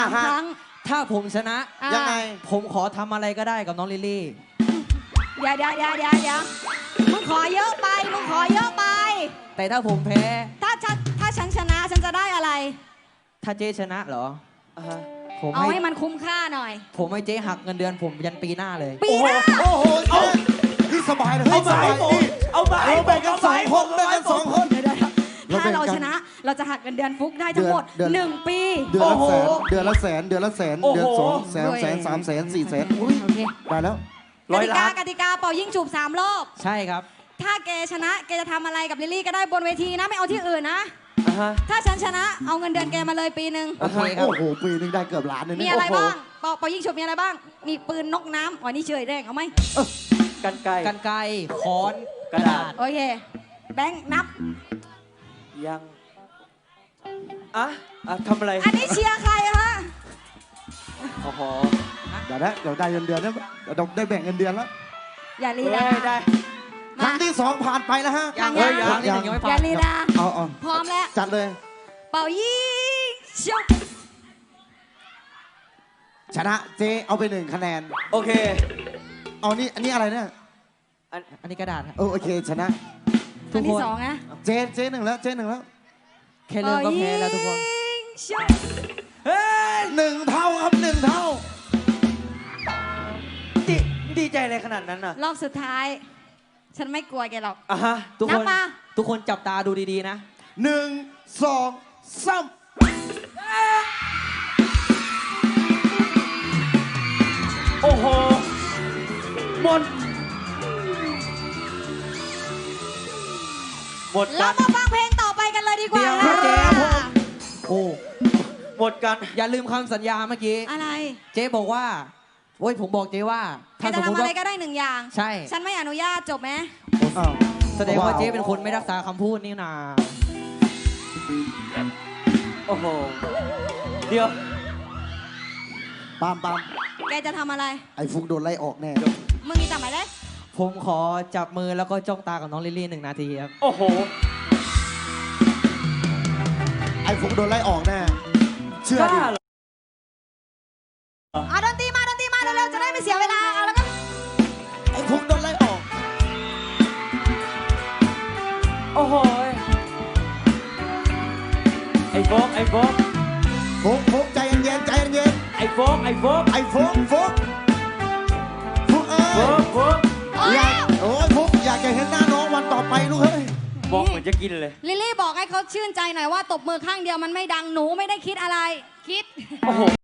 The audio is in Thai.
3 ครั้งถ้าผมชนะยังไงผมขอทำอะไรก็ได้กับน้องลิลลี่เดี๋ยวมึงขอเยอะไปแต่ถ้าผมแพ้ถ้าฉันชนะฉันจะได้อะไรถ้าเจ๊ชนะเหรอผมเอาให้มันคุ้มค่าหน่อยผมให้เจ๊หักเงินเดือนผมยันปีหน้าเลยปีหน้าโอ้โหนี่สบายเลยเอาไปแบ่งกัน2 คนเดี๋ยวถ้าเราชนะเราจะหักเงินเดือนฟุกได้ทั้งหมด1 ปีเดือนละแสนเดือนละ2 แสน3 แสน4 แสนโอเคได้แล้วกติกาเป่ายิ่งจูบ3 รอบใช่ครับถ้าแกชนะแกจะทำอะไรกับลิลลี่ก็ได้บนเวทีนะไม่เอาที่อื่นนะถ้าฉันชนะเอาเงินเดือนแกมาเลยปีหนึ่งโอเคครับโอ้โหปีนึงได้เกือบล้านเลยมีอะไรบ้างเป่ายิ่งฉุบมีอะไรบ้างมีปืนนกน้ำอ๋อนี่เฉยแรงเอาไหมกันไกค้อนกระดาษโอเคแบงค์นับยังทำอะไรอันนี้เชียร์ใครฮะโอ้โหเดี๋ยวได้เงินเดือนแล้วเดี๋ยวได้แบ่งเงินเดือนแล้วอย่าลีลาได้ครั้งที่ 2ผ่านไปแล้วฮะครั้งที่ 1ยังไม่อผ่าย่าน ลีลาเอาพร้อมแล้วจัดเลยเป่ายิงฉุบชนะเจ๊เอาไป1 คะแนนโอเคเอานี่อันนี้อะไรเนี่ยอันนี้กระดาษครับโอเคชนะอันที่ 2นะเจ๊1แล้วเจ๊1แล้วแค่เริ่มก็แพ้แล้วทุกคนฉุบเฮ้ย 1 เท่าครับ1 เท่าดีใจอะไรขนาดนั้นน่ะรอบสุดท้าย ฉันไม่กลัวแกหรอกทุกนัคบนมาทุกคนจับตาดูดีๆนะ 1 2 3 โอ้โหหมดเรากันมาฟังเพลงต่อไปกันเลยดีกว่าเดี๋ยวครับเจ๊โอ้หมดกันอย่าลืมคำสัญญาเมื่อกี้อะไรเจ๊บอกว่าโอ้ยผมบอกเจ๊ว่าแกถ้าสจะมมติทำอะไรว่าก็ได้1 อย่างใช่ฉันไม่อนุญาตจบไหมอ้าวแสดงว่าเจ๊เป็นคนไม่รักษาคำพูดนี่นาโอ้โหเดี๋ยวปามแกจะทำอะไรไอ้ฟุกโดนไล่ออกแน่มึงมีจับไหมเลยผมขอจับมือแล้วก็จ้องตากับน้องลิลลี่1 นาทีครับโอ้โหไอ้ฟุกโดนไล่ออกแน่เชื่อดิเอาดนตรีมาเร็วๆจะได้ไม่เสียเวลาเอาแล้วก็ไอ้ฟุกโดนไล่ออกโอ้โหไอ้โฟกฟุกใจเย็นไอ้โฟกไอ้ฟุกเอ้ยโฟกฟุกอยากจะเห็นหน้าน้องวันต่อไปลูกเฮ้ยโฟกเหมือนจะกินเลยลิลลี่บอกให้เขาชื่นใจหน่อยว่าตบมือข้างเดียวมันไม่ดังหนูไม่ได้คิดอะไรคิดโอ้โห